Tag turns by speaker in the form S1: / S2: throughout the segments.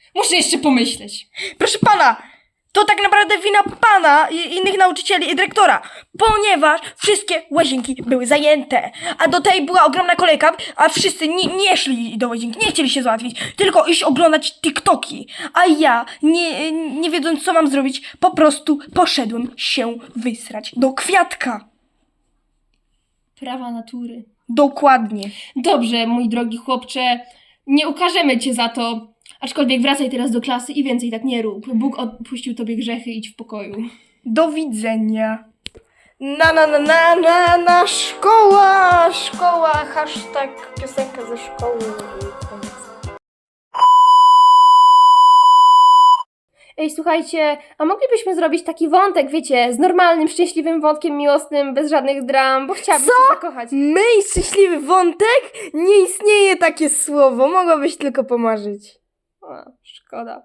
S1: Muszę jeszcze pomyśleć.
S2: Proszę pana, to tak naprawdę wina pana i innych nauczycieli i dyrektora, ponieważ wszystkie łazienki były zajęte, a do tej była ogromna kolejka, a wszyscy nie szli do łazienki, nie chcieli się załatwić, tylko iść oglądać TikToki, a ja, nie wiedząc co mam zrobić, po prostu poszedłem się wysrać do kwiatka.
S1: Prawa natury.
S2: Dokładnie.
S1: Dobrze, mój drogi chłopcze, nie ukażemy cię za to, aczkolwiek wracaj teraz do klasy i więcej tak nie rób. Bóg odpuścił tobie grzechy, idź w pokoju.
S2: Do widzenia. Szkoła, hashtag piosenka ze szkoły.
S1: Ej, słuchajcie, a moglibyśmy zrobić taki wątek, wiecie, z normalnym, szczęśliwym wątkiem miłosnym, bez żadnych dram, bo chciałabym się zakochać.
S2: My i szczęśliwy wątek? Nie istnieje takie słowo, mogłabyś tylko pomarzyć.
S1: O, szkoda.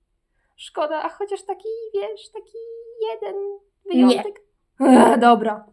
S1: Szkoda, a chociaż taki, wiesz, taki jeden wyjątek. Dobra.